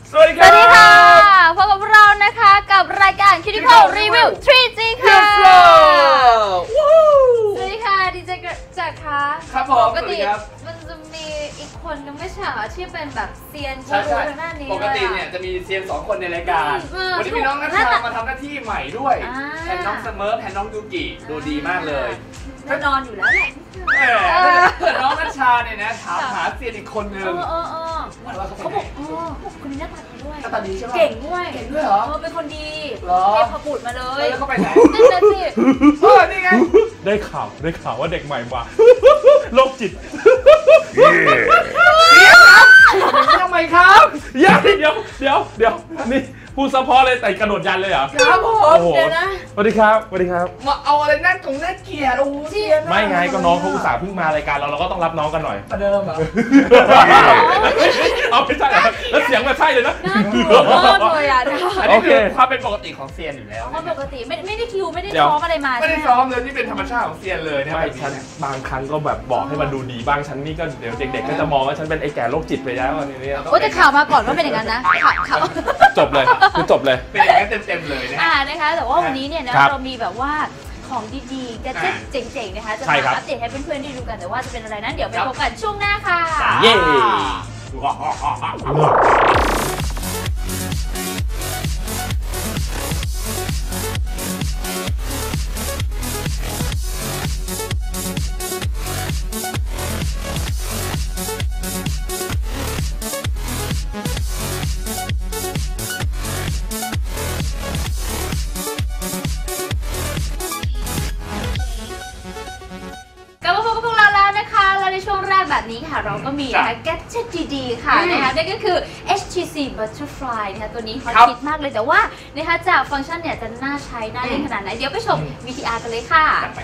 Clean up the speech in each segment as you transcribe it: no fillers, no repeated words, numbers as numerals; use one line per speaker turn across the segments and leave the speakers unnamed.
สวัสดีค่ะ
พบกับเรานะคะกับรายการ Critical Review 3G ค่ะสวัสดีค่ะดีเจจักรค่ะ
ครับผม
ปกติมันจะมีอีกคนนึงไม่ใช่เหรอที่เป็นแบบเซียนกูรูทางด้านนี้
ปกติเนี่ยจะมีเซียน2คนในรายการวันนี้มีน้องนัชชามาทำหน้าที่ใหม่ด้วยแทนน้องเสมอแทนน้องยูกิดูดีมากเลย
แน่นอนอยู่แล้วแหละ
น้องนัชชาเนี่ยนะถามหาเซียนอีกคนนึง
เขาบอกคนนี้หน้าตาดีด้วย
หน้าตาดีใช่ไหม
เก่งด้วย
เหรอ
เป็นคนดี
เท
พบุตรมาเลย
แล้วเขาไปไหน
นั่นแหละสิ
นี่ไง
ได้ข่าวว่าเด็กใหม่มาโรคจิต
ทำไมครับ
เดี๋ยวนี่พูดซัพพอร์ตเลยแต่กระโดดยันเลยเหรอ
ครับผม
เดี๋ยวนะ
สวัสดีครับ
มาเอาอะไรน่าเกลียดโอ้เซียน
ไม่ไงก็น้องเขาอุตส่าห์เพิ่งมารายการเราก็ต้องรับน้องกันหน่อย
ประเดิมเหรอ
เอาไม่ใช่แล้วเสียงแบบใช่เลยนะ
น่ากลัวมากเลยอ่ะ
อันนี้คือความเป็นปกติของเซียนอยู่แล้ว
ความปกติไม่ได้คิวไม่ได้ซ้อมอะไรมา
ไม่ได้ซ้อมเลยนี่เป็นธรรมชาติของเซียนเลย
ไม่ฉันบางครั้งก็แบบบอกให้มันดูดีบ้างฉันนี่ก็เดี๋ยวเด็กๆก็จะมองว่าฉันเป็นไอ้แก่โรคจิตไปแล้วอันนี้
โอ้แต่ข่าวมาก่อนว่าเป็นอย่างนั้นนะข่าว
จบเลยคือจบเลย
เป็นอย่างนั้นเต็มเลยนะ
นะคะแต่ว่าวันนี้เนี่ยนะเรามีแบบว่าของดีๆแกจิเจ๋งๆนะคะจะมาอัปเดตให้เพื่อนๆได้ดูกันแต่ว่าจะเป็นอะไรนั้นเดี๋ยวไปพบกันช่วงหน้าค่ะ
เย้
แบบนี้ค่ะเราก็มีนะคะแกดเจ็ตดีๆค่ะนะคะนั่นก็คือ HTC Butterfly นะคะตัวนี้ฮอตฮิตมากเลยแต่ว่านะคะจากฟังก์ชันเนี่ยจะน่าใช้น่าเล่นขนาดไหนเดี๋ยวไปชม VTR กันเลยค่ะ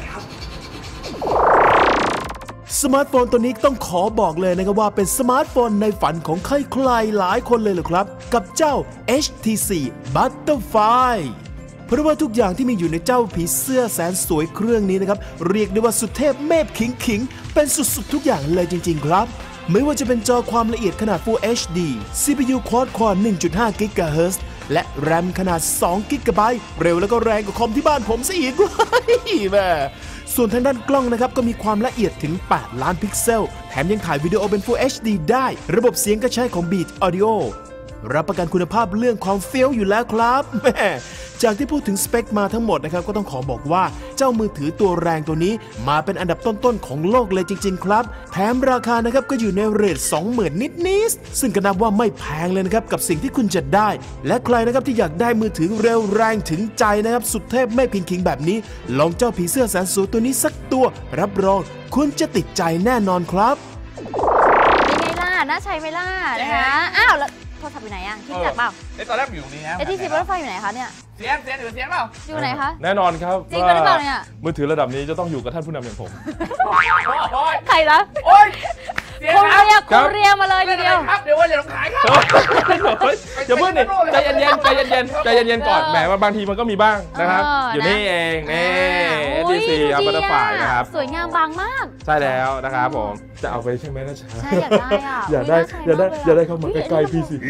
สมาร์ทโฟนตัวนี้ต้องขอบอกเลยนะครับว่าเป็นสมาร์ทโฟนในฝันของใครๆหลายคนเลยเหรอครับกับเจ้า HTC Butterflyเพราะว่าทุกอย่างที่มีอยู่ในเจ้าผีเสื้อแสนสวยเครื่องนี้นะครับเรียกได้ว่าสุดเทพเมพขิงเป็นสุดๆทุกอย่างเลยจริงๆครับไม่ว่าจะเป็นจอความละเอียดขนาด Full HD CPU Quad-Core 1.5 GHz และ RAM ขนาด2 GB เร็วแล้วก็แรงกว่าคอมที่บ้านผมซะอีกแม่ส่วนทางด้านกล้องนะครับก็มีความละเอียดถึง8 ล้านพิกเซลแถมยังถ่ายวิดีโอเป็น Full HD ได้ระบบเสียงก็ใช้ของ Beat Audioรับประกันคุณภาพเรื่องความเฟี้ยวอยู่แล้วครับแม่จากที่พูดถึงสเปคมาทั้งหมดนะครับก็ต้องขอบอกว่าเจ้ามือถือตัวแรงตัวนี้มาเป็นอันดับต้นๆของโลกเลยจริงๆครับแถมราคานะครับก็อยู่ในเรท 20,000 นิดๆซึ่งก็นับว่าไม่แพงเลยนะครับกับสิ่งที่คุณจะได้และใครนะครับที่อยากได้มือถือเร็วแรงถึงใจนะครับสุดเทพไม่พิงคิงแบบนี้ลองเจ้าผีเสื้อแสนสวยตัวนี้สักตัวรับรองคุณจะติดใจแน่นอนครับ
เป็นไงล่ะน่าใช้ไหมล่ะนะคะอ้าวแล้วโทรศัพท์อยู่ไหนอ่ะคิดจักเปล่า
ตอนแรกอยู่นี่นะ
HTC Butterflyอยู่ไหนคะเนี่ย
เสียงเปล่า
อยู่ไหนคะ
แน่นอนครับ
จริงหรือเปล่าเนี่ย
มือถือระดับนี้จะต้องอยู่กับท่านผู้นำอย่างผม
ใครนะ
โอ๊ย
คุณเรียมาเลยทีเดียว
ครับเดี๋ยวว่าจะต้องขายครับ
อย่าเพิ่งนี่ใจเย็นก่อนแหมบางทีมันก็มีบ้างนะครับอยู่นี่เองนี่ HTC Butterfly นะครับ
สวยงามบางมาก
ใช่แล้วนะครับผมจะเอาไปใช่ไหมนะจ๊ะ
ใช่อยากได้อ่ะ
อยากได้เข้ามาใกล้ๆพี่สิ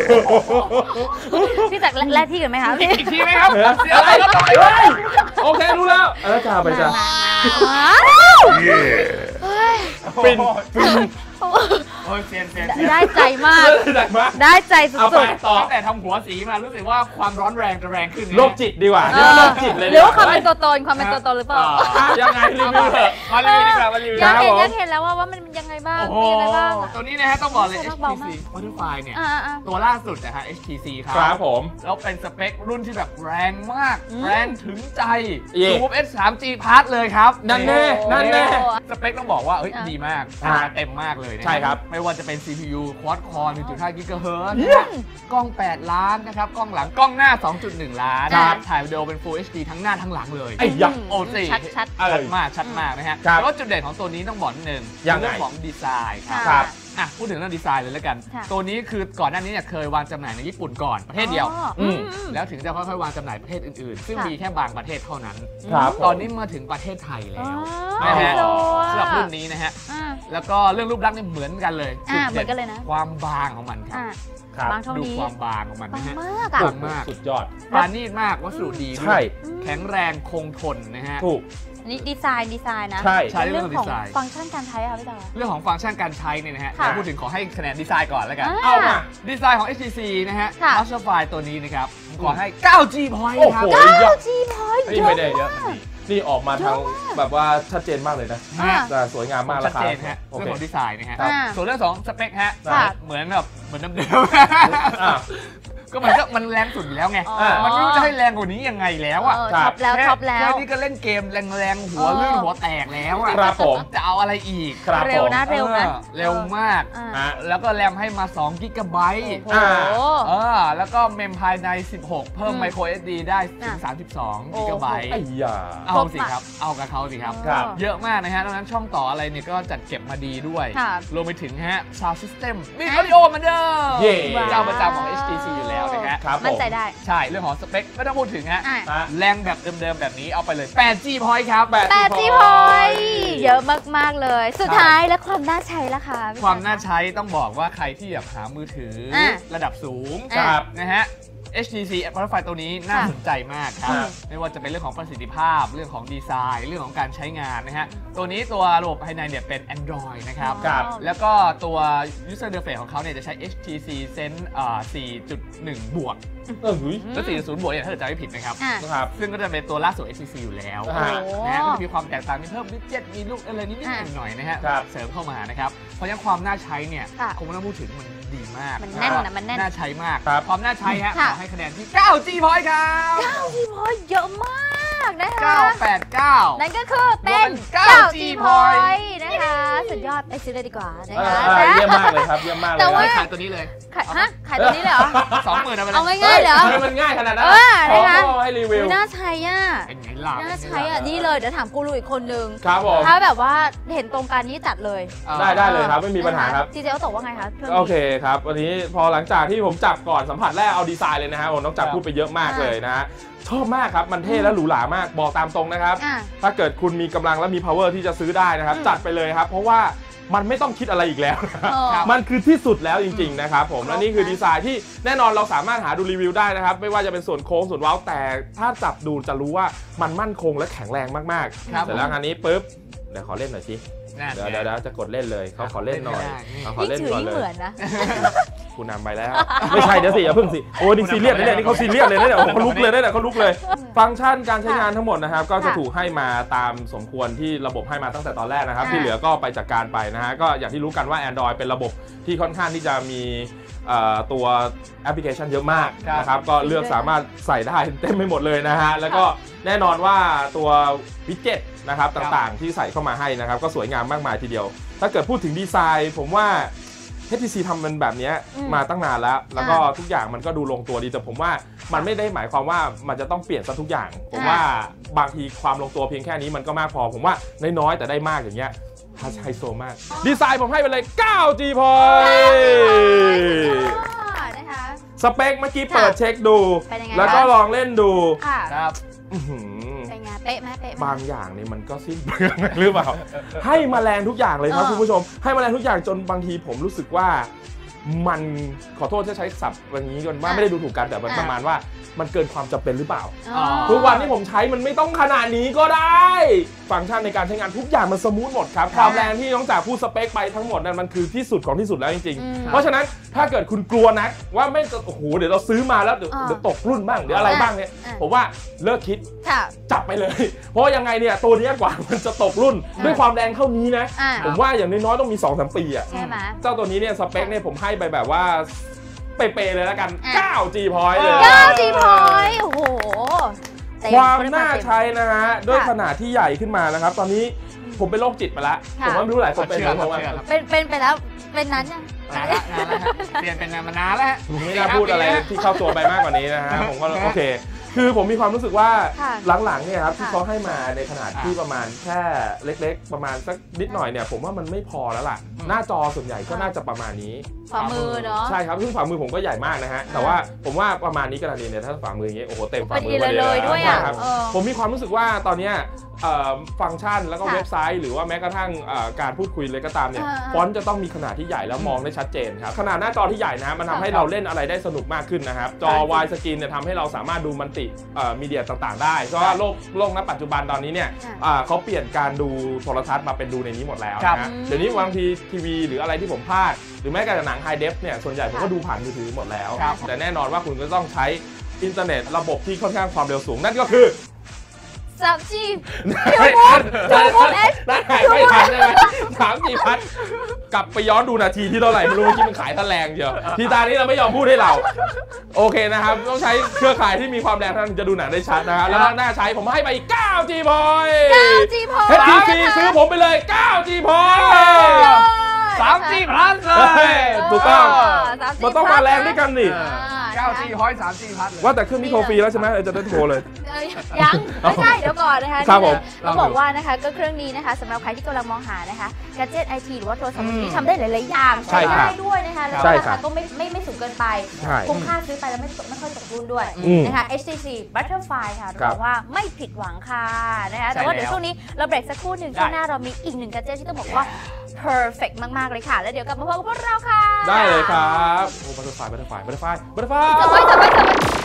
พี่จักรแลกที่กันไหมคะ
อีกทีไหมครับ
อะไรโอเครู้แล้วแล้วจ้าไปจ้าฟิน
โอ้ยเซียน
ได้ใจมากได้ใจสุด
ๆตั้งแต่ทำหัวสีมารู้สึกว่าความร้อนแรงจะแรงขึ้น
โรคจิตดีกว่าโรคจิตเลย
หรือว่าความเป็นตัวตนหรือเปล่า
ยังไงรีวิวเถอะ
มารีวิวดีกว่า
อยากเห็นแล้วว่ามันยังไงบ้างมีอะไรบ้าง
ตัวนี้นะฮะต้องบอกเลย HTC Butterfly เนี่ยตัวล่าสุดนะฮะ HTC
ครับผม
แล้วเป็นสเปครุ่นที่แบบแรงมากแรงถึงใจ Zoom S3G Plus เลยครับ
นั่นแน่
สเปคต้องบอกว่าดีมากเต็มมากเลย
ใช่ครับ
ไม่ว่าจะเป็น CPU Quad-Core 1.5 GHz กล้อง8 ล้านนะครับกล้องหลังกล้องหน้า 2.1 ล้านถ่ายวิดีโอเป็น Full HD ทั้งหน้าทั้งหลังเลยโอ้สิชัดมากนะฮะแล้วก็จุดเด่นของตัวนี้ต้องบอกนิดนึงเรื่องของดีไซน์ครับพูดถึงเรื่องดีไซน์เลยแล้วกันตัวนี้คือก่อนหน้านี้เนี่ยเคยวางจำหน่ายในญี่ปุ่นก่อนประเทศเดียวแล้วถึงจะค่อยๆวางจำหน่ายประเทศอื่นๆซึ่งมีแค่บางประเทศเท่านั้นตอนนี้มาถึงประเทศไทยแล้วนะฮะสำหรับรุ่นนี้นะฮะแล้วก็เรื่องรูปลักษณ์เนี่ยเหมือนกันเลย
เหมือนกันเลยนะ
ความบางของมันครับ
บางเท่า
ดู
นี้
ความบางของมันนะฮะ
มาก
บางมาก
สุดยอด
ปราณีตมากวัสดุดีด้
ใช่
วยแข็งแรงคงทนนะฮะ
ถูก
นี่ดีไซน์นะ
ใช่
ใช่
เรื่องของ
เรื่องของดีไซน์
ฟังก์ชันการใช้ค่ะพี่ต๋อ
เรื่องของฟังก์ชันการใช้เนี่ยนะฮะ
ค่ะ
พูดถึงขอให้คะแนนดีไซน์ก่อนแล้วกัน
เอามา
ดีไซน์ของ HTC นะฮะ
ค่ะ
Butterfly ตัวนี้นะครับผมขอให้ 9G point
โอ้
ครั
โห
บ
9G point
นี่ไม่ได้เยอะนี่ออกมาทาง
เยอะมาก
แบบว่าชัดเจนมากเลยนะ
อ่า
แต่สวยงามมาก
ชั
รา
ด
คา
เจนฮะ
โอ
เรื่อง
เค
ของดีไซน์นะฮะ
ครับ
ส่วนเรื่องของสเปคฮะ
ค่ะ
เหมือนเดิม
อ่ะ
ก็มันแรงสุดอยู่แล้วไง
อ๋อ
มันไม่รู้จะให้แรงกว่านี้ยังไงแล้วอ่ะ
ท็อปแล้วท็อปแล้ว
แค่นี้ก็เล่นเกมแรงๆหัวลื่นหัวแตกแล้วอ่ะ
ครับผม
จะเอาอะไรอีก
ครับ
เร็วนะ
เร็วมาก
อ่า
แล้วก็แรมให้มา2 กิกะไบต์
โอ้โห
แล้วก็เมมภายใน 16 เพิ่ม
อืม
micro SD ได้ถึง
อ่ะ
32 กิกะไบต์
ไอ้ยา
เอาสิครับ เอากับเขาสิครับ
ครับ
เยอะมากนะฮะดังนั้นช่องต่ออะไรเนี่ยก็จัดเก็บมาดีด้วย
ค่ะ
รวมไปถึงฮะ Sound System มี Audio เหมือนเดิม
เย่
เจ้าประจำของ HTC อยู่แล้วนะฮะ
ครับผ
มั่น
ม
ใจได้
ใช่ เรื่องของสเปคไม่ต้องพูดถึงฮะ
อ่ะ
อ่ะ
แรงแบบเดิมๆแบบนี้เอาไปเลย 8G point ครับ
8G point เยอะมากๆเลย สุดท้ายแล้วความน่าใช้ล่ะคะพี่
ความน่าใช้ต้องบอกว่าใครที่อยากหามือถือระดับสูง
ครับ
นะฮะ HTC Butterfly ตัวนี้น่าสนใจมากครับ
ครับ
ไม่ว่าจะเป็นเรื่องของประสิทธิภาพ เรื่องของดีไซน์ เรื่องของการใช้งานนะฮะ ตัวนี้ตัวระบบภายในเนี่ยเป็น Android นะครับ
ครับ
แล้วก็ตัว User Interface ของเขาเนี่ยจะใช้ HTC Sense 4.1 บวก
หุย
และ 4.0 บวกเนี่ยถ้าเกิดจำไม่ผิดนะครับ
อ่ะ
ครับ
ซึ่งก็จะเป็นตัวล่าสุด HTC อยู่แล้ว
อ่า
นะฮะก็จะมีความแตกต่างมีเพิ่มวิดเจ็ตมีลูกอะไรนิดๆหน่อยๆนะฮะ
ครับ
เสริมเข้ามานะครับ เพราะฉะนั้นความน่าใช้เนี่ย
ค่ะ
คงไม่ต้องพูดถึงมันดีมาก
มันแน่นนะมันแน่น
น่าใช้มาก
ครับ
ความน่าใช้ฮะ
ค่ะ
ขอให้คะแนนที่ 9G point ครับ
9G point เยอะมากนะคะ
989
นั่นก็คือเป็น
9G
point นะคะ สุดยอดไปซื้อเลยดีกว่านะคะ
เยี่ยมมากเลยครับ เยี่ยมมากเลย
แต่ว่า
ขายตัวนี้เลย
ขายตัวนี้เลยเหรอ
20,000เอาไปเลย
เอาง่ายๆเหรอ
ทำไมมันง่ายขนาดนั้น
นะคะ
ขอให้รีวิว
อุ๊ยน่าใช้อ่ะ
เป็นไงล่ะ
น่าใช้อ่ะ นี่เลยเดี๋ยวถามกูรูอีกคนนึง
ครับผม
ถ้าแบบว่าเห็นตรงกันนี่จัดเลย
ได้เลยครับ ไม่มีปัญหาครับ
ทีเจเขาตกว่าไงคะรื่องนี้
โอเคครับ วันนี้พอหลังจากที่ผมจับก่อนสัมผัสแรกเอาดีไซน์เลยนะฮะผมต้องจับพูดไปเยอะมากเลยนะฮะชอบมากครับ มันเท่และหรูหรามาก บอกตามตรงนะครับ
อ่ะ
ถ้าเกิดคุณมีกำลังและมี power ที่จะซื้อได้นะครับ จัดไปเลยครับ เพราะว่ามันไม่ต้องคิดอะไรอีกแล้วนะ
เออ
มันคือที่สุดแล้วจริงๆนะครับผม
ครบ
และนี่คือ
นะ
ดีไซน์ที่แน่นอนเราสามารถหาดูรีวิวได้นะครับ ไม่ว่าจะเป็นส่วนโค้งส่วนเว้าแต่ถ้าจับดูจะรู้ว่ามันมั่นคงและแข็งแรงมากๆ
ครับ
เสร็จแล้วอันนี้ปุ๊บเดี๋ยวขอเล่นหน่อยสิ
นั่น
เดี๋ยว
ไง
เดี๋ยวจะกดเล่นเลยเขาขอเล่นหน่อย
เล่นไม่ได้
เขาขอ
ยิ่ง
เล่น
ถือ
ก่อน
ยิ่ง
เล
เหมือย นนะ
คุณนำไปแล้ว ไม่ใช่เดี๋ยวสิอย่าเพิ่งสิโอ้นี่ซีเรียสเลยเนี่ยนี่เขาซีเรียสเลยนะเนี่ยโอ้เขาลุกเลยนะเนี่ยเขาลุกเลย ฟังก์ชันการใช้งานทั้งหมดนะครับก็จะถูกให้มาตามสมควรที่ระบบให้มาตั้งแต่ตอนแรกนะครับ
ค่ะ
ที่เหลือก็ไปจัดการไปนะฮะก็อย่างที่รู้กันว่า Android เป็นระบบที่ค่อนข้างที่จะมีตัวแอปพลิเคชันเยอะมากนะครับก็เลือกสามารถใส่ได้เต็มไปหมดเลยนะฮะแล้วก็แน่นอนว่าตัววิดเจ็ตนะครับต่างๆที่ใส่เข้ามาให้นะครับก็สวยงามมากมายทีเดียว ถ้าเกิดพูดถึงดีไซน์ผมว่า HTC ทำมันแบบนี้มาตั้งนานแล้วก็ทุกอย่างมันก็ดูลงตัวดีแต่ผมว่ามันไม่ได้หมายความว่ามันจะต้องเปลี่ยนซะทุกอย่าง ผมว่าบางทีความลงตัวเพียงแค่นี้มันก็มากพอผมว่าน้อยๆแต่ได้มากอย่างเงี้ยไฮโซมากดีไซน์ผมให้ไปเลย 9G point
นะคะ
สเปคเมื่อกี้เปิดเช็คดู
เป็นยังไง
แล้วก็ลองเล่นดู
ค่ะ
ครับ
อื้อหือ
เป็นไงเป๊ะไหมเป๊ะไหม
บางอย่างนี่มันก็สิ้นเปลืองหรือเปล่า ให้มาแรงทุกอย่างเลยครับคุณผู้ชมให้มาแรงทุกอย่างจนบางทีผมรู้สึกว่ามันขอโทษที่ใช้ศัพท์อย่างนี้กันว่าไม่ได้ดูถูกกันแต่มันประมาณว่ามันเกินความจำเป็นหรือเปล่า
อ๋อ
ทุกวันที่ผมใช้มันไม่ต้องขนาดนี้ก็ได้ ฟังก์ชันในการใช้งานทุกอย่างมันสมูทหมดครับความแรงที่น้องจากพูดสเปคไปทั้งหมดนั้นมันคือที่สุดของที่สุดแล้วจริงๆเพราะฉะนั้นถ้าเกิดคุณกลัวนะว่าไม่โอ้โหเดี๋ยวเราซื้อมาแล้วเดี๋ยวตกรุ่นบ้างเดี๋ยวอะไรบ้างเนี่ยผมว่าเลิกคิด
ค่ะ
จับไปเลย เพราะยังไงเนี่ยตัวนี้กว่ามันจะตกรุ่นด้วยความแรงเท่านี้นะ
อ่า
ผมว่าอย่างน้อยๆต้องมี 2-3 ปีอะ
ใช่ไหม
เจ้าตัวนี้เนี่ยสเปคเนี่ยผมให้ไปแบบว่าเป๊ะๆเลยแล้วกัน
อ่ะ
9G point เลย
9G point โอ้โหเต็
ความ
เต็
น่า
เต็ม
ใช้นะฮะด้วยขนาดที่ใหญ่ขึ้นมานะครับ ตอนนี้ผมเป็นโรคจิตไปแล้ว
ค่ะ
ผมว่าไม่รู้หลายคนเป็น
เชื่อ
เพราะว่า
ครับ
เป็นไปแล้วเป็นนั้นยัง
นานแล้วฮะเปลี่ยนเป็นมานานแล้วฮะ
ผมไม่น่าพูดอะไรที่เข้าตัวไปมากกว่านี้นะฮะผมก็โอเค คือผมมีความรู้สึกว่า
ค่ะ
หลังๆเนี่ยครับที่
ค่ะ
เขาให้มาในขนาดที่ประมาณแค่เล็กๆ ประมาณสักนิดหน่อยเนี่ยผมว่ามันไม่พอแล้วล่ะ หน้าจอส่วนใหญ่ก็น่าจะประมาณนี้
ฝ่ามือเนาะ
ใช่ครับซึ่งฝ่ามือผมก็ใหญ่มากนะฮะแต่ว่าผมว่าประมาณนี้กำลังดีเนี่ยถ้าฝ่ามืออย่างเงี้ยโอ้โหเต็มฝ่ามือ
พอดีเลยด้วยอ่ะ
ครับ
เออ
ผมมีความรู้สึกว่าตอนเนี้ยฟังก์ชันแล้วก็เว็บไซต์หรือว่าแม้กระทั่งการพูดคุยเลยก็ตามเนี่ยฟอนต์จะต้องมีขนาดที่ใหญ่แล้วมองได้ชัดเจนครับขนาดหน้าจอที่ใหญ่นะมันทำให้เราเล่นอะไรได้สนุกมากขึ้นนะครับจอ Wide Screen เนี่ยทำให้เราสามารถดูมัลติมีเดียต่างๆได้เพราะว่าโลกณปัจจุบันตอนนี้เนี่ยเขาเปลี่ยนการดูโทรทัศน์มาเป็นดูในนี้หมดแล้วนะเดี๋ยวนี้บางทีทีวีหรืออะไรที่ผมพลาดหรือแม้กระทั่งหนังไฮเดฟเนี่ยส่วนใหญ่ผมก็ดูผ่านมือถือหมดแล้วแต่แน่นอนว่าคุณก็ต้องใช้อินเทอร์เน็ตระบบที่ค่อนข้างความเร็วสูงนั่นก็คือ
3G
ไม่ทันไม่ทันใช่ไหม3G พัดกลับไปย้อนดูนาทีที่เท่าไหร่ไม่รู้เมื่อกี้มันขายตะแรงเดียวทีตานี้เราไม่ยอมพูดให้เราโอเคนะครับต้องใช้เครือข่ายที่มีความแรงเท่านั้นจะดูหนังได้ชัดนะฮะแล้วน่าใช้ผมให้ไปอีก 9G point
9G point
HTC ซื้อผมไปเลย 9G point
3G plus เลย
ถูกต้องมันต้องมาแรงด้วยกันนี่
9G point 3G plus
ว่าแต่เครื่องนี้โทรฟรีแล้วใช่ไหมจะได้โทรเลย
ยังไม่ใช่เดี๋ยวก่อนนะคะ
ครับผม
ต้องบอกว่านะคะก็เครื่องนี้นะคะสำหรับใครที่กำลังมองหานะคะแกดเจ็ตไอทีหรือว่าโทรศัพท์มือถือที่ทำได้หลายๆอย่างใช้ได้ด้วยนะคะแล้วก็ราคาก็ไม่สูงเกินไปคุ้มค่าซื้อไปแล้วไม่ค่อยตกรุ่นด้วยนะคะ HTC Butterfly ค่ะบอกว่าไม่ผิดหวังค่ะนะคะแต่ว่าเดี๋ยวช่วงนี้เราเบรกสักครู่หนึ่งช่วงหน้าเรามีอีกหนึ่งแกดเจ็ตที่ต้องบอกว่า perfect มากๆเลยค่ะแล้วเดี๋ยวกลับมาพบกับพวกเราค่ะ
ได้เลยครับโอ้ Butterfly
จับไว้